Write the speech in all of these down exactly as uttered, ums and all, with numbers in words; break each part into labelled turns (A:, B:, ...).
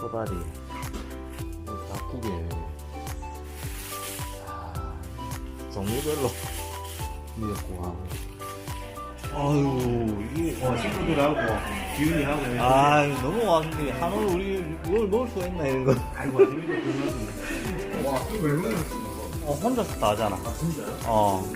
A: 코다리, 닭국에 종류별로 미역국하고. 아유, 이게
B: 어, 친구들하고 기훈이하고
A: 아 너무 왔는데 한올 우리 이걸 넣을 수가 있나 이런 거.
B: 아이고 재밌다 그러면 와 이거 왜 먹었어
A: 어 혼자서 다 하잖아.
B: 아 진짜요?
A: 어.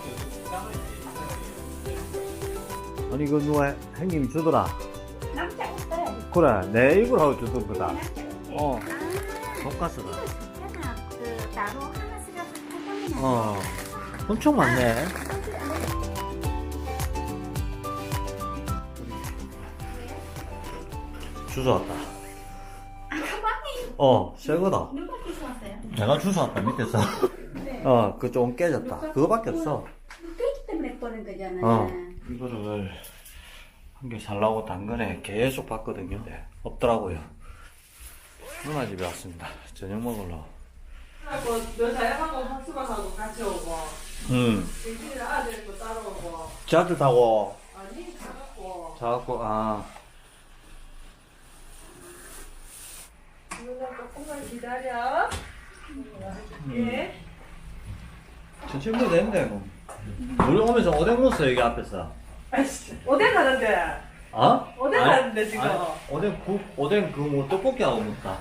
A: 아니 이거 누가 형님이 주더라.
C: 남자 있어요.
A: 그래 내 입으로 하고 주던 거다.
C: 남자 있어요.
A: 어.
C: 아,
A: 돈가스가.
C: 하나 그 따로 하나 쓰려서 해보면
A: 어. 엄청 많네. 주워 왔다.
C: 아, 가방이
A: 어, 새 거다.
C: 누가 주워왔어요?
A: 내가 주워 왔다 밑에서.
C: 네.
A: 어, 그 좀 깨졌다. 그거밖에 없어.
C: 깨기 때문에 꺼낸 거잖아요.
A: 어. 이거를 한 개 살라고 당근에 계속 봤거든요. 네, 없더라고요. 누나 집에 왔습니다. 저녁 먹으러.
D: 하고 너 자영하고 학습하고 같이 오고
A: 응.
D: 정신이 아들도 따로 오고
A: 지하철 타고
D: 아니 가갖고
A: 자갖고, 아.
D: 누나 조금만 기다려. 예.
A: 천천히 먹어도 되는데, 뭐. 우리 오면서 오뎅 먹었어, 여기 앞에서.
D: 아이씨 어디 가는데?
A: 어?
D: 오뎅
A: 아니,
D: 하는데, 지금.
A: 아니, 오뎅 국, 오뎅 그 뭐 떡볶이하고 먹다.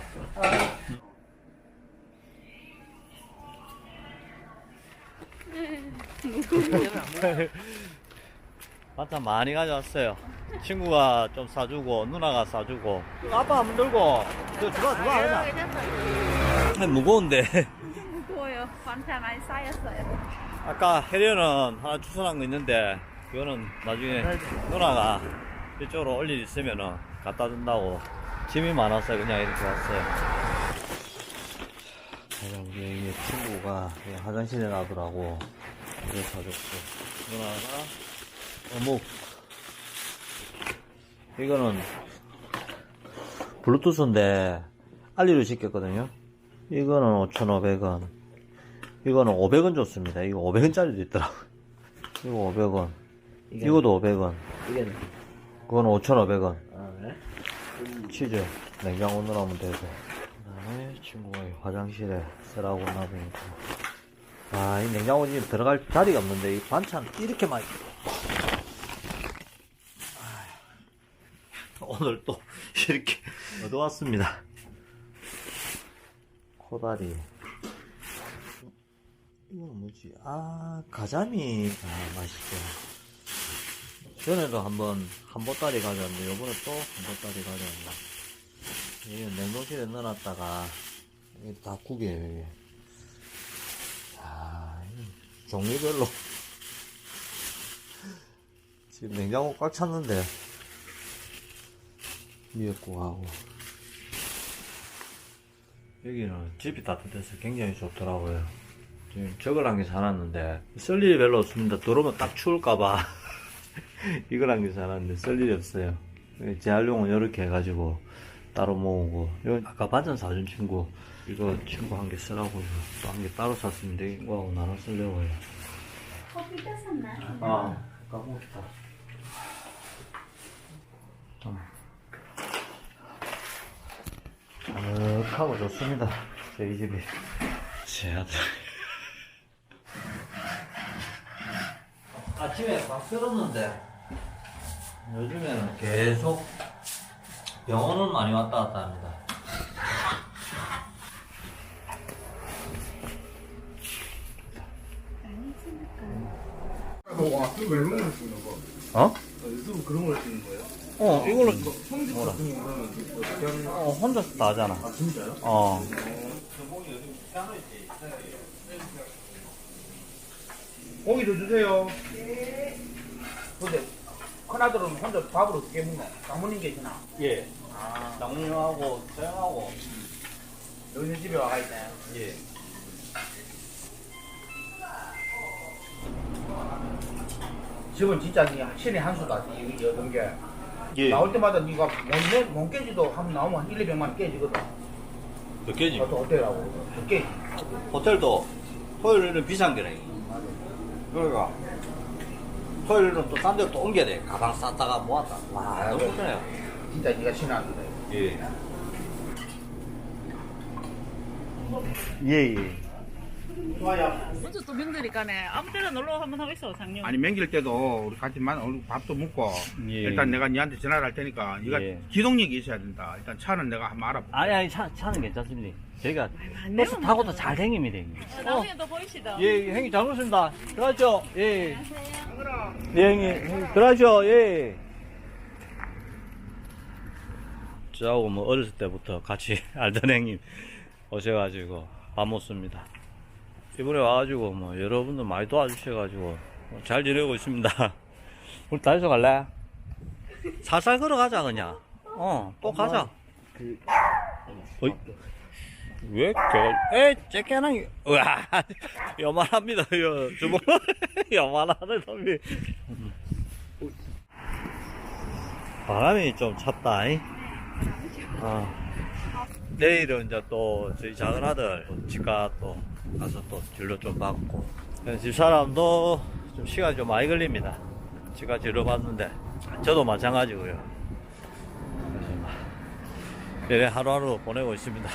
A: 반찬 많이 가져왔어요. 친구가 좀 싸주고 누나가 싸주고 아빠 안 들고 저 들어와 들어와 하자. 무거운데
C: 무거워요. 반찬 많이 쌓였어요.
A: 아까 해련은 하나 주선한 거 있는데 그거는 나중에 누나가 이쪽으로 올 일 있으면은 갖다 준다고 짐이 많아서 그냥 이렇게 왔어요. 우리 친구가 화장실에 놔두라고 이걸 사줬고 누나가 어묵 이거는 블루투스인데 알리로 시켰거든요. 이거는 오천오백 원 이거는 오백 원 줬습니다. 이거 오백 원짜리도 있더라고요. 이거 오백 원 이것도 오백 원
B: 이게는
A: 그건 오천오백 원
B: 아 그래?
A: 치즈 냉장고 넣으면 되고 그 다음에 친구가 화장실에 쓰라고 놔두니까 아, 이 냉장고 지금 들어갈 자리가 없는데 이 반찬 이렇게 많이 오늘 또 이렇게 얻어왔습니다. 코다리 이건 뭐지? 아 가자미 아 맛있죠. 전에도 한번 한보따리 가져왔는데 요번에 또 한보따리 가져왔나. 이건 냉동실에 넣어놨다가 이게 닭국이에요 이게. 야, 종류별로 지금 냉장고 꽉 찼는데 미역국하고 여기는 집이 따뜻해서 굉장히 좋더라고요. 지금 저걸 한 개 사놨는데 쓸 일이 별로 없습니다. 들어오면 딱 추울까봐 이걸 한 개 사놨는데 쓸 일이 없어요. 재활용은 이렇게 해가지고 따로 모으고 이건 아까 반찬 사준 친구 이거 친구 한 개 쓰라고 또 한 개 따로 샀습니다. 이거하고 나눠 쓰려고요.
C: 커피 떴었나?
A: 아 까먹었다. 아늑하고 좋습니다. 저희 집이 제 아들 아침에 막 쓸었는데 요즘에는 계속 병원은 많이 왔다 갔다 합니다.
B: 와 이거 왜 먹었어 이거?
A: 어?
B: 유튜브 그런 걸 찍는 거예요?
A: 어 이걸로
B: 성집 같은 거 그러면 어떻게
A: 어 혼자서 다 하잖아.
B: 아 진짜요?
A: 어
B: 고기도 주세요. 근데 큰아들은 혼자 밥을 어떻게 먹나? 장모님 계시나?
A: 예.
B: 아
A: 장모님하고 저형하고
B: 여기는 집에 와가 있나요?
A: 예.
B: 집은 진짜 니 신의 한 수다. 이 여든 게
A: 예.
B: 나올 때마다 니가 몸, 몸 깨지도 한 나오면 한 일, 이백만 원 깨지거든.
A: 몇 개지?
B: 어떤 호텔하고 몇 깨지.
A: 호텔도 토요일은 비싼 게래. 그러니까 토요일은 또 딴 데로 또 옮겨야 돼. 가방 쌌다가 모았다. 와, 너무 좋네요.
B: 진짜 니가 신의 한 수다.
A: 예. 예, 예.
B: 좋아요.
E: 먼저 또 명절이니까네 아무 때나 놀러 한번 하고 있어 작년.
B: 아니 명절 때도 우리 같이 만 오늘 밥도 먹고
A: 예.
B: 일단 내가 니한테 전화를 할 테니까 네가
A: 예.
B: 기동력이 있어야 된다. 일단 차는 내가 한번 알아볼게.
A: 아니, 아니, 차, 차는 괜찮습니다. 저희가
E: 안
A: 버스
E: 내면
A: 타고도
E: 먼저.
A: 잘 다닙니다, 형님.
E: 어, 나중에 또 보이시다.
A: 예, 형님 잘 먹습니다. 들어가죠. 예. 예, 형님. 형님 들어가죠. 예. 저하고 뭐 어렸을 때부터 같이 알던 형님 오셔가지고 밥 먹습니다. 이번에 와가지고 뭐 여러분들 많이 도와주셔가지고 뭐잘 지내고 있습니다. 우리 다이소 갈래? 살살 걸어가자 그냥. 어, 또 가자. 어이? 왜 겨? 에, 째깨낭이. 우와, 요만합니다. 요 주먹 요만하네 놈이. 바람이 좀 찼다. 잉? 어. 내일은 이제 또 저희 작은 아들 집가 또 가서 또 진료 좀 받고 집사람도 좀 시간이 좀 많이 걸립니다. 집가 진료 받는데 저도 마찬가지고요. 그래서 막 매일 하루하루 보내고 있습니다.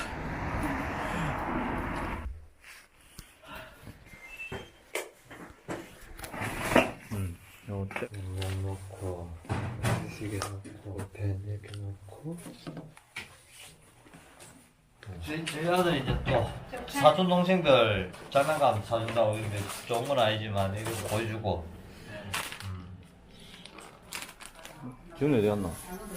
A: 음, 요때 물 넣고 시계 넣고 펜 이렇게 넣고 저희 아들은 이제 또 사촌 동생들 장난감 사준다고 이런데 좋은 건 아니지만 이거 보여주고. 지훈이 어디 갔나?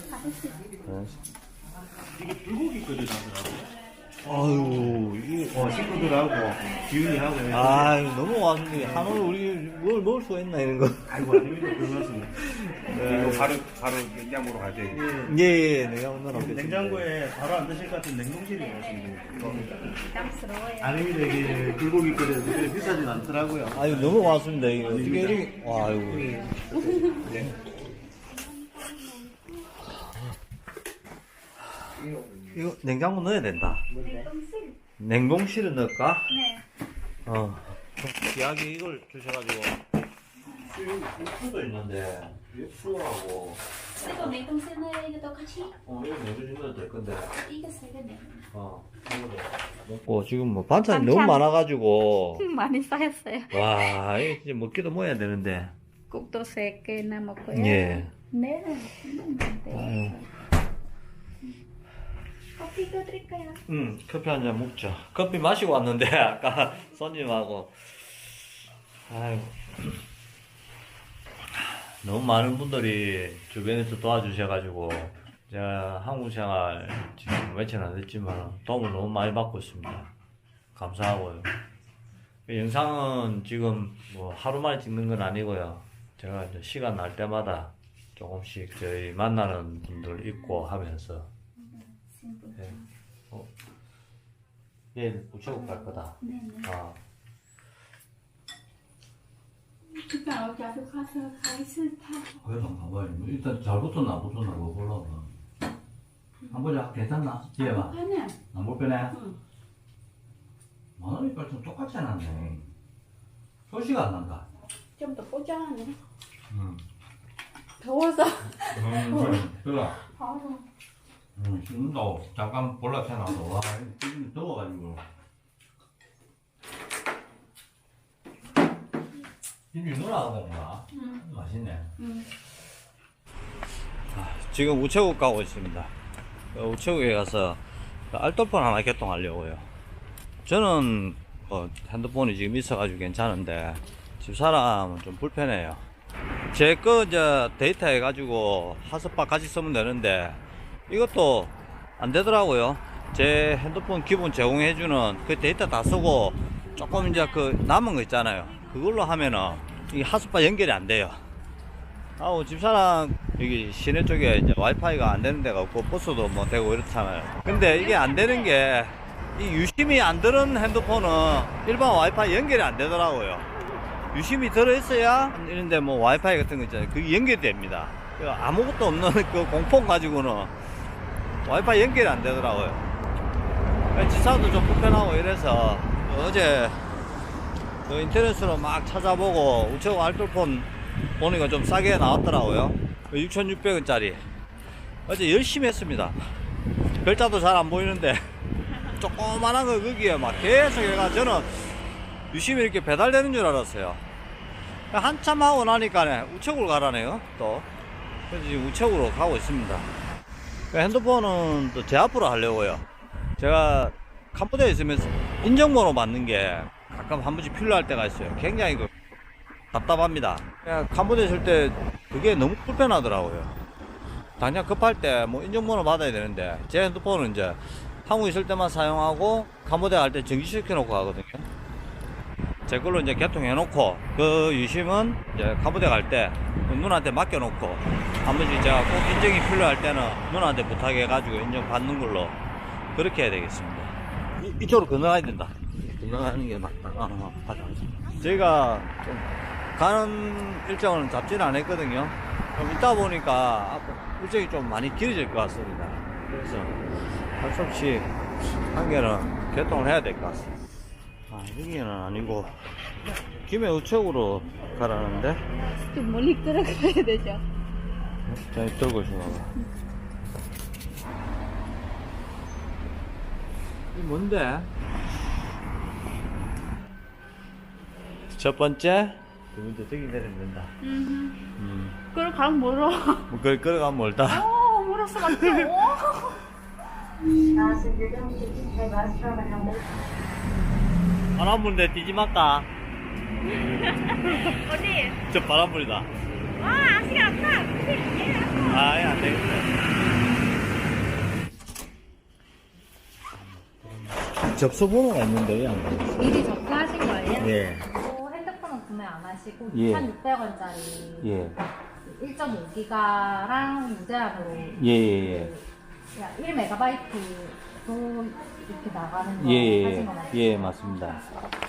B: 이게 불고기 끓여놨더라고.
A: 아유 이게
B: 어, 식구들하고 기훈이하고.
A: 아 너무 왔는데 한올 우리 뭘 먹을 수가 있나 이런 거.
B: 아이고 아닙니다. 그렇습니다. 이거 바로 바로 냉장고로 가져야 돼.
A: 예예 내가 오늘 없겠습니다.
F: 냉장고에 바로 안 드실 것 같은 냉동실이 있습니다.
C: 부담스러워요.
F: 아닙니다. 이게 불고기 끓여서 그렇게 비싸진 않더라고요.
A: 아유 너무 왔습니다 이거 어떻게 이렇게 와 아이고. 이거 냉장고 넣어야 된다.
C: 냉동실.
A: 냉동실에 넣을까?
C: 네.
A: 어. 귀하게 이걸 주셔가지고. 육수도 있는데, 육수하고,
C: 이거 냉동실에 이것도 같이
A: 어, 이거 내주시면 될 건데.
C: 이거 세 개 내요.
A: 어, 이거도 먹고, 지금 뭐 반찬이
C: 반찬.
A: 너무 많아가지고.
C: 많이 쌓였어요.
A: 와, 이거 이제 먹기도 뭐 해야 되는데.
C: 국도 세 개나 먹고요.
A: 예.
C: 네.
A: 아유.
C: 커피 끓일까요?
A: 응, 커피 한 잔 먹죠. 커피 마시고 왔는데, 아까 손님하고. 아이고. 너무 많은 분들이 주변에서 도와주셔가지고, 제가 한국 생활 지금 며칠 안 됐지만, 도움을 너무 많이 받고 있습니다. 감사하고요. 이 영상은 지금 뭐 하루 만에 찍는 건 아니고요. 제가 이제 시간 날 때마다 조금씩 저희 만나는 분들 있고 하면서, 예. 어. 얘 우체국 갈 거다.
C: 네네.
A: 아.
C: 그러니까 어차피 가서 가있을 타.
A: 그래도 가봐요. 일단 잘 붙었나 안 붙었나 그거 보려고. 안 보자. 괜찮나? 뒤에 봐.
C: 하나.
A: 안 불편해?
C: 응.
A: 만원이니까 좀 똑같이 해놨네. 소시가 안 난다.
C: 좀 더 뽀짝하네.
A: 응.
C: 더워서.
A: 응, 그래.
C: 아우.
A: 응, 지금도 잠깐 볼락 해놔도, 와, 지금 더워가지고. 김이 누나가 먹나?
C: 응.
A: 맛있네.
C: 응.
A: 지금 우체국 가고 있습니다. 우체국에 가서 알뜰폰 하나 개통하려고요. 저는 어, 핸드폰이 지금 있어가지고 괜찮은데 집사람은 좀 불편해요. 제 거 이제 데이터 해가지고 핫스팟 같이 쓰면 되는데 이것도 안 되더라고요. 제 핸드폰 기본 제공해주는 그 데이터 다 쓰고 조금 이제 그 남은 거 있잖아요. 그걸로 하면은 이 핫스팟 연결이 안 돼요. 아우 집사람 여기 시내 쪽에 이제 와이파이가 안 되는 데가 없고 버스도 뭐 되고 이렇잖아요. 근데 이게 안 되는 게 이 유심이 안 들은 핸드폰은 일반 와이파이 연결이 안 되더라고요. 유심이 들어있어야 이런데 뭐 와이파이 같은 거 있잖아요. 그게 연결이 됩니다. 아무것도 없는 그 공폰 가지고는 와이파이 연결이 안 되더라고요. 지사도 좀 불편하고 이래서 어제 그 인터넷으로 막 찾아보고 우체국 알뜰폰 보니까 좀 싸게 나왔더라고요. 육천육백 원짜리. 어제 열심히 했습니다. 글자도 잘 안 보이는데 조그만한 거 거기에 막 계속 해가 저는 유심히 이렇게 배달되는 줄 알았어요. 한참 하고 나니까 우측으로 가라네요. 또 그래서 지금 우측으로 가고 있습니다. 핸드폰은 또 제 앞으로 하려고요. 제가 캄보디아에 있으면서 인정번호 받는 게 가끔 한 번씩 필요할 때가 있어요. 굉장히 그 답답합니다. 그냥 캄보디아 있을 때 그게 너무 불편하더라고요. 당장 급할 때 뭐 인정번호 받아야 되는데 제 핸드폰은 이제 한국 있을 때만 사용하고 캄보디아 갈 때 정지시켜 놓고 가거든요. 제 걸로 이제 개통해 놓고 그 유심은 이제 캄보디아 갈 때 누나한테 맡겨 놓고 한 번씩 제가 꼭 인정이 필요할 때는 누나한테 부탁해 가지고 인정 받는 걸로 그렇게 해야 되겠습니다. 이, 이쪽으로 건너가야 된다. 건너가는 게 맞다. 아, 아, 가자. 저희가 좀 가는 일정은 잡지는 안 했거든요. 좀 있다 보니까 일정이 좀 많이 길어질 것 같습니다. 그래서 할 수 없이 한 개는 개통을 해야 될 것 같습니다. 아, 여기는 아니고 김해 우측으로 가라는데
C: 좀 멀리 끌어가야 되죠.
A: 자, 들고 있어봐. 이 뭔데? 첫 번째, 두 번째 저기 내리면 된다. 음.
C: 그걸 가면 멀어.
A: 뭐 그걸 끌어가면 멀다.
C: 오, 멀었어, 맞죠?
A: 바람 부는데 뛰지 말까?
C: 어디?
A: 저 바람 불이다.
C: 와, 아직 안 타.
A: 아예 안 되겠네. 접수 번호가 있는데 왜 안 되겠어?
C: 미리 접수하신 거예요?
A: 예.
C: 또 핸드폰은 구매 안 하시고
A: 예.
C: 이천육백 원짜리
A: 예.
C: 일 점 오 기가랑 무제한으로
A: 예, 예,
C: 일 메가바이트도 이렇게 나가는 거
A: 예. 예,
C: 하신
A: 예.
C: 거 맞죠?
A: 예, 맞습니다.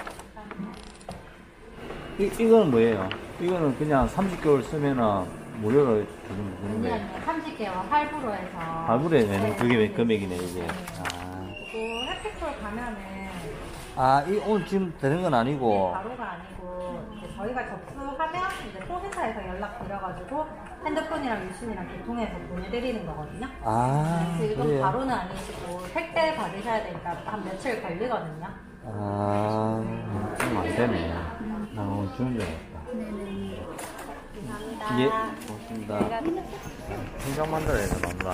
A: 이, 이거는 뭐예요? 이거는 그냥 삼십 개월 쓰면은 무료로 주는
C: 아니
A: 건데.
C: 아니요 삼십 개월 할부로 해서
A: 할부로 내는
C: 네,
A: 그게
C: 네,
A: 금액이네,
C: 네.
A: 이제.
C: 네.
A: 아.
C: 그리고 핫팩토 가면은
A: 아, 이 오늘 지금 되는 건
C: 네,
A: 아니고.
C: 바로가 아니고 이제 저희가 접수하면 이제 또 회사에서 연락 드려가지고 핸드폰이랑 유심이랑 개통해서 보내드리는 거거든요.
A: 아,
C: 지금
A: 그래요?
C: 바로는 아니시고 택배 받으셔야 되니까 한 며칠 걸리거든요.
A: 아, 좀 안 되네. 나 오늘 주는 줄 알았다.
C: 감사합니다.
A: 예, 고맙습니다. 생각 만들어야 돼, 마누라.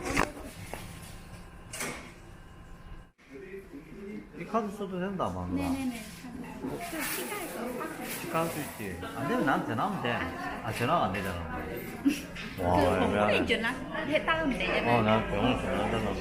A: 이 카드 써도 된다, 마누라.
C: 네네네.
A: 시간 수 있지. 안 되면 나한테 전화하면 돼. 아, 전화가 안 되잖아. 와, 왜 안 돼?
C: 전화 했다면 되잖아요.
A: 어, 나 병원 전화한다고.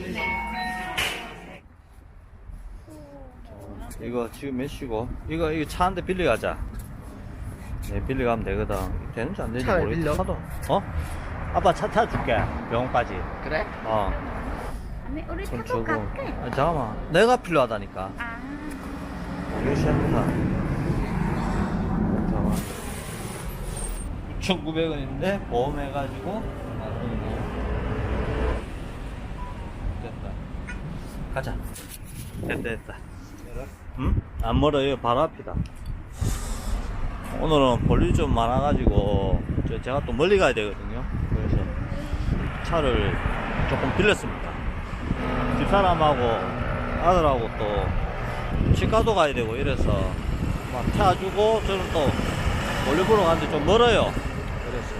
A: 이거 지금 몇 시고? 이거, 이거 차 한 대 빌려 가자. 네, 빌려 가면 되거든. 되는지 안 되는지
B: 차를
A: 모르겠어.
B: 빌려?
A: 차도. 어? 아빠 차 타줄게. 병원까지.
B: 그래?
A: 어.
C: 아니, 우리
A: 돈
C: 타고
A: 주고.
C: 갈게.
A: 아, 잠깐만. 내가 필요하다니까.
C: 아,
A: 이거 시작한다. 잠깐만. 육천구백 원인데, 보험해가지고, 만 원이네. 됐다. 가자. 됐다, 됐다. 응? 안 멀어요. 바로 앞이다. 오늘은 볼일이 좀 많아가지고, 저- 제가 또 멀리 가야 되거든요. 그래서 차를 조금 빌렸습니다. 집사람하고 아들하고 또 치과도 가야 되고 이래서 막 태워주고 저는 또 볼일 보러 가는데 좀 멀어요. 그래서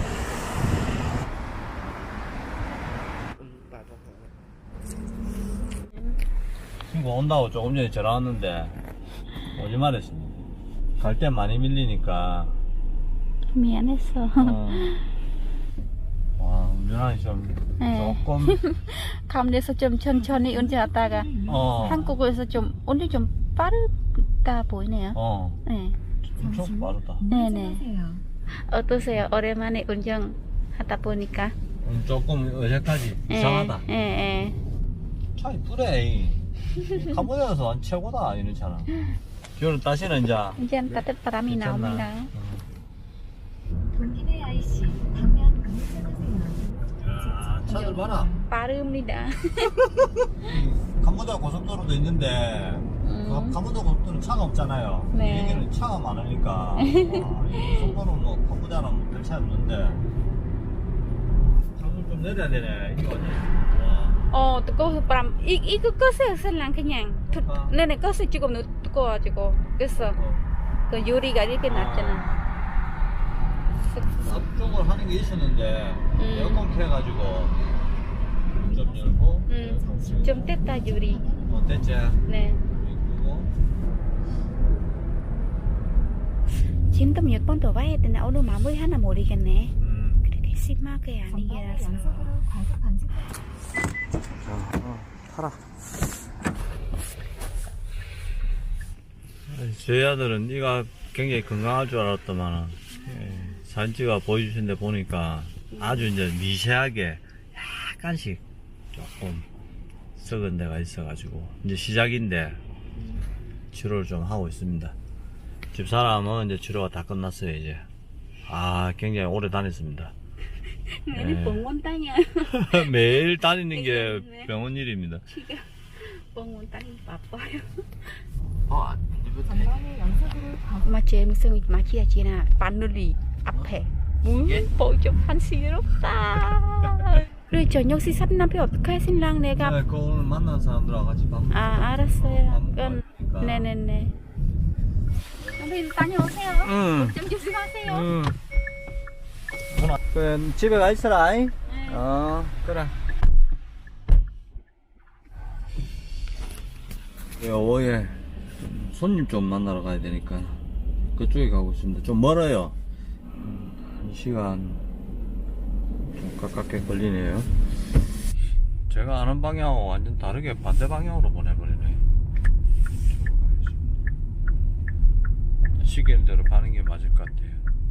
A: 친구 온다고 조금 전에 전화 왔는데 오지 말했습니다. 갈 때 많이 밀리니까.
C: 미안했어.
A: 어. 와, 운전하기 좀
C: 네.
A: 조금
C: 감내에서 좀 천천히 운전하다가
A: 어.
C: 한국에서 좀 오늘 좀 빠르다 보이네요.
A: 어.
C: 네.
A: 엄청 빠르다.
C: 네네. 어떠세요? 오랜만에 운전하다 보니까.
A: 음, 조금 어색하지. 이상하다.
C: 예, 예.
A: 차 이쁘네. 캄보디아에서 완 최고다 이런 차는. 비오는 다시는 이제
C: 운전 따뜻 바람이
A: 괜찮나?
C: 나옵니다.
G: 본인의 아이씨 방면 안내하세요.
A: 야, 차들 봐라.
C: 빠릅니다.
A: 캄보디아 고속도로도 있는데 그 캄보디아 고속도로는 차가 없잖아요.
C: 네.
A: 여기는 차가 많으니까 아, 이 고속도로는 뭐 캄보디아는 별 차이 없는데 차를 좀 내려야 되네. 이거 어디? 와.
H: 어, 뜨거 람 이, 이거 껐어요, 설랑 그냥.
A: 아.
H: 네네, 껐어 지금 너 뜨거워가지고 껐어. 그 요리가 이렇게 났잖아.
A: 앞쪽을 하는 게 있었는데
H: 음.
A: 에어컨 켜가지고 좀 열고
H: 음, 좀 됐다 요리.
A: 어, 됐지?
H: 네.
A: 그리고
H: 지금도 몇 번 더 봐야 되나? 오늘 마무리 하나 모르겠네.
A: 음.
H: 그렇게 심하게 아니라서.
G: 연속으로 과속 방지.
A: 자, 어, 타라. 저희 아들은 이가 굉장히 건강할 줄 알았더만 예, 사진 찍어 보여주신데 보니까 아주 이제 미세하게 약간씩 조금 썩은 데가 있어가지고 이제 시작인데 치료를 좀 하고 있습니다. 집사람은 이제 치료가 다 끝났어요 이제. 아 굉장히 오래 다녔습니다.
H: 매일 병원 다녀.
A: 매일 다니는 게
H: 네.
A: 병원 일입니다.
H: 병원 다니 바빠요.
A: 어,
G: 전방에 연속으로 과속.
H: 마 제일 무서운 마치야 지나 바늘이 앞에 문 보죠 한시럽다. 그리고 저녁 식사는 남편 어떻게 신랑 내가
A: 네, 그 오늘 만난 사람들하고 같이 밥 먹고
H: 아 알았어요.
A: 밥 먹고
H: 그럼
A: 하니까.
H: 네네네. 선생님 다녀오세요.
A: 응.
H: 좀 조심하세요.
A: 응. 그 집에 가 있어라. 네. 어, 그래. 네, 오후에 손님 좀 만나러 가야 되니까 그쪽에 가고 있습니다. 좀 멀어요. 한 시간 좀 가깝게 걸리네요. 제가 아는 방향하고 완전 다르게 반대 방향으로 보내버리네. 시계대로 가는 게 맞을 것 같아요.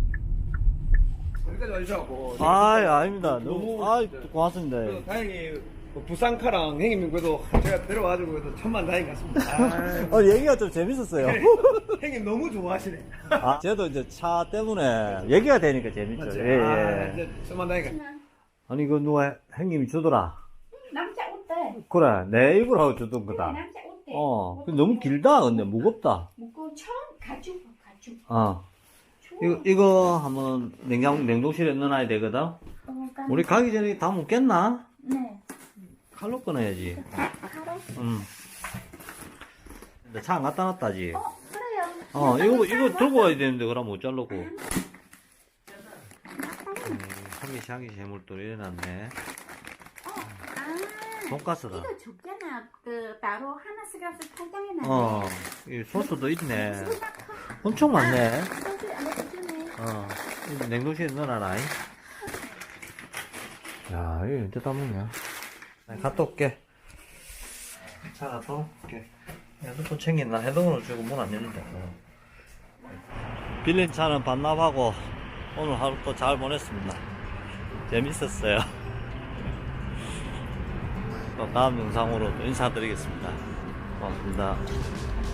B: 여기까지 와주셔고
A: 아, 아닙니다. 너무, 아, 고맙습니다.
B: 다행히 뭐 부산카랑 형님 그래도 제가 데려와가지고 그래도 천만 다행 같습니다.
A: 어, 얘기가 좀 재밌었어요.
B: 형님 너무 좋아하시네.
A: 아, 저도 이제 차 때문에 얘기가 되니까 재밌죠.
B: 맞지?
A: 예,
B: 아,
A: 예.
B: 이제 천만 다행 같
A: 아니, 그 누가 형님이 주더라.
H: 남자 옷대.
A: 그래, 내 입으로 주던 거다.
H: 남자 옷대.
A: 어, 근데 너무 길다, 근데 무겁다.
H: 무거 처음 가죽 가죽.
A: 어. 이거, 이거 한번 냉장, 냉동실에 넣어놔야 되거든?
H: 어,
A: 우리 가기 전에 다 먹겠나?
H: 네.
A: 칼로 꺼내야지.
H: 하루.
A: 응. 근데 차 안 갖다 놨다지.
H: 어 그래요.
A: 어, 이거, 이거 들고 와야 되는데, 그럼 못 자르고. 음, 한기시, 한기시 해물도 이래놨네.
H: 아.
A: 돈가스다.
H: 이거 줬잖아. 그 따로 하나 쓰가서 포장해 놨네.
A: 어, 이 소스도 있네. 엄청 많네.
H: 소스 안에 주네.
A: 어, 이거 냉동실에 넣어놔라. 야, 이거 언제 다 먹냐? 나 갔다 올게. 차 갔다 올게. 핸드폰 챙겼나? 핸드폰을 주고 문 안 열린다. 어. 빌린 차는 반납하고 오늘 하루 또 잘 보냈습니다. 재밌었어요. 또 다음 영상으로 또 인사드리겠습니다. 고맙습니다.